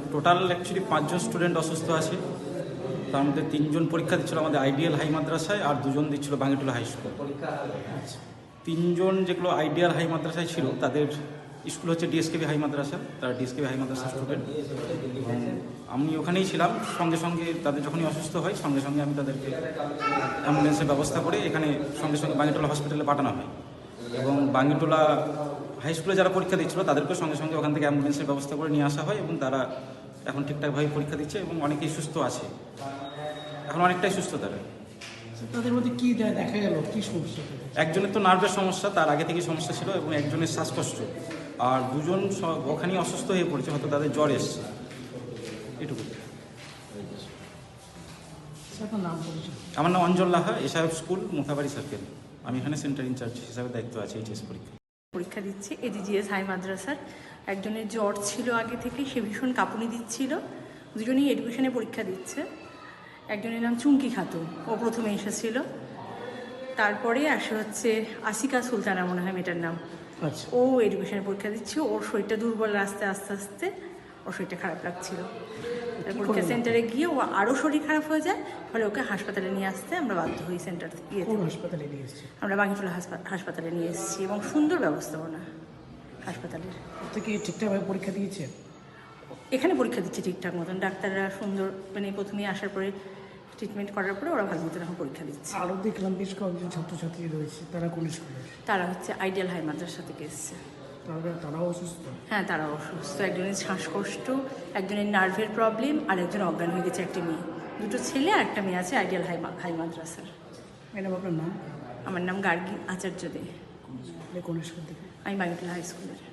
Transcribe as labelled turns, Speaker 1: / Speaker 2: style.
Speaker 1: Total actually 5 জন student অসুস্থ আছে। তার মধ্যে 3 জন পরীক্ষা দিচ্ছিল আমাদের আইডিয়াল হাই মাদ্রাসায়, আর 2 জন দিচ্ছিল বাঙ্গিটোলা হাই স্কুল। 3 জন যেগুলো আইডিয়াল হাই মাদ্রাসায় ছিল তাদের স্কুল হচ্ছে ডিএসকেবি হাই মাদ্রাসা, তারা ডিএসকেবি হাই মাদ্রাসার স্টুডেন্ট। আমি ওখানেই ছিলাম, সঙ্গে সঙ্গে তাদের যখনই অসুস্থ হয় সঙ্গে সঙ্গে আমি তাদেরকে অ্যাম্বুলেন্সের ব্যবস্থা করে এখানে সঙ্গে সঙ্গে বাঙ্গিটোলা হসপিটালে পাঠানো হয়। এবং বাঙ্গিটোলা হাই স্কুলে যারা পরীক্ষা দিচ্ছিল তাদেরকে সঙ্গে সঙ্গে ওখান থেকে অ্যাম্বুলেন্সের ব্যবস্থা করে নিয়ে আসা হয় এবং তারা এখন ঠিকঠাকভাবে পরীক্ষা দিচ্ছে এবং অনেকেই সুস্থ আছে, এখন অনেকটাই সুস্থ তারা।
Speaker 2: তাদের মধ্যে কি দেখা গেল, কি সমস্যা?
Speaker 1: একজনের তো নার্ভের সমস্যা, তার আগে থেকেই সমস্যা ছিল, এবং একজনের শ্বাসকষ্ট, আর 2 জন ওখানেই অসুস্থ হয়ে পড়েছে, হয়তো তাদের জ্বর এসছে, এটুকু। আমার নাম Anjal Laha, SIF school, Muthabari circle. আমি এখানে সেন্টার ইনচার্জ হিসাবে দায়িত্ব আছে এইচএস
Speaker 3: পরীক্ষা দিচ্ছে এডিজিএস হাই মাদ্রাসার। একজনের জ্বর ছিল আগে থেকে, সে ভীষণ কাঁপুনি দিচ্ছিল। 2জনই এডুকেশনে পরীক্ষা দিচ্ছে। একজনের নাম চুমকি খাতুন, ও প্রথমে এসেছিল। তারপরে আসে হচ্ছে আসিকা সুলতানা, মনে হয় মেয়েটার নাম।
Speaker 2: আচ্ছা,
Speaker 3: ও এডুকেশনে পরীক্ষা দিচ্ছে। ওর শরীরটা দুর্বল, আস্তে আস্তে ওর শরীরটা খারাপ লাগছিল। পরীক্ষা সেন্টারে গিয়ে ও আরও শরীর খারাপ হয়ে যায়, ফলে ওকে হাসপাতালে নিয়ে আসতে আমরা বাধ্য হই। সেন্টার
Speaker 2: হাসপাতালে নিয়ে এসেছি
Speaker 3: আমরা বাঙ্গিটোলা হাসপাতালে নিয়ে এসেছি, এবং সুন্দর ব্যবস্থাপনা হাসপাতালের।
Speaker 2: থেকে ঠিকঠাকভাবে পরীক্ষা দিয়েছে।
Speaker 3: এখানে পরীক্ষা দিচ্ছে ঠিকঠাক মতন, ডাক্তাররা সুন্দর, মানে প্রথমেই আসার পরে ট্রিটমেন্ট করার পরে ওরা ভালো মতন এখন পরীক্ষা দিচ্ছে।
Speaker 2: আরও দেখলাম বেশ কয়েকজন ছাত্রছাত্রী রয়েছে, তারা কোন স্কুলে?
Speaker 3: তারা হচ্ছে আইডিয়াল হাই মাদ্রাসা থেকে এসছে।
Speaker 2: তারাও অসুস্থ?
Speaker 3: হ্যাঁ, তারাও অসুস্থ। একজনের শ্বাসকষ্ট, একজনের নার্ভের প্রবলেম, আর একজন অজ্ঞান হয়ে গেছে। একটি মেয়ে, 2টো ছেলে আর একটা মেয়ে আছে আইডিয়াল হাই মাদ্রাসার।
Speaker 2: ম্যাডাম, আপনার নাম?
Speaker 3: আমার নাম গার্গী আচার্য দে।
Speaker 2: কোন স্কুল থেকে?
Speaker 3: আমি বাঙ্গিটোলা হাই স্কুলের।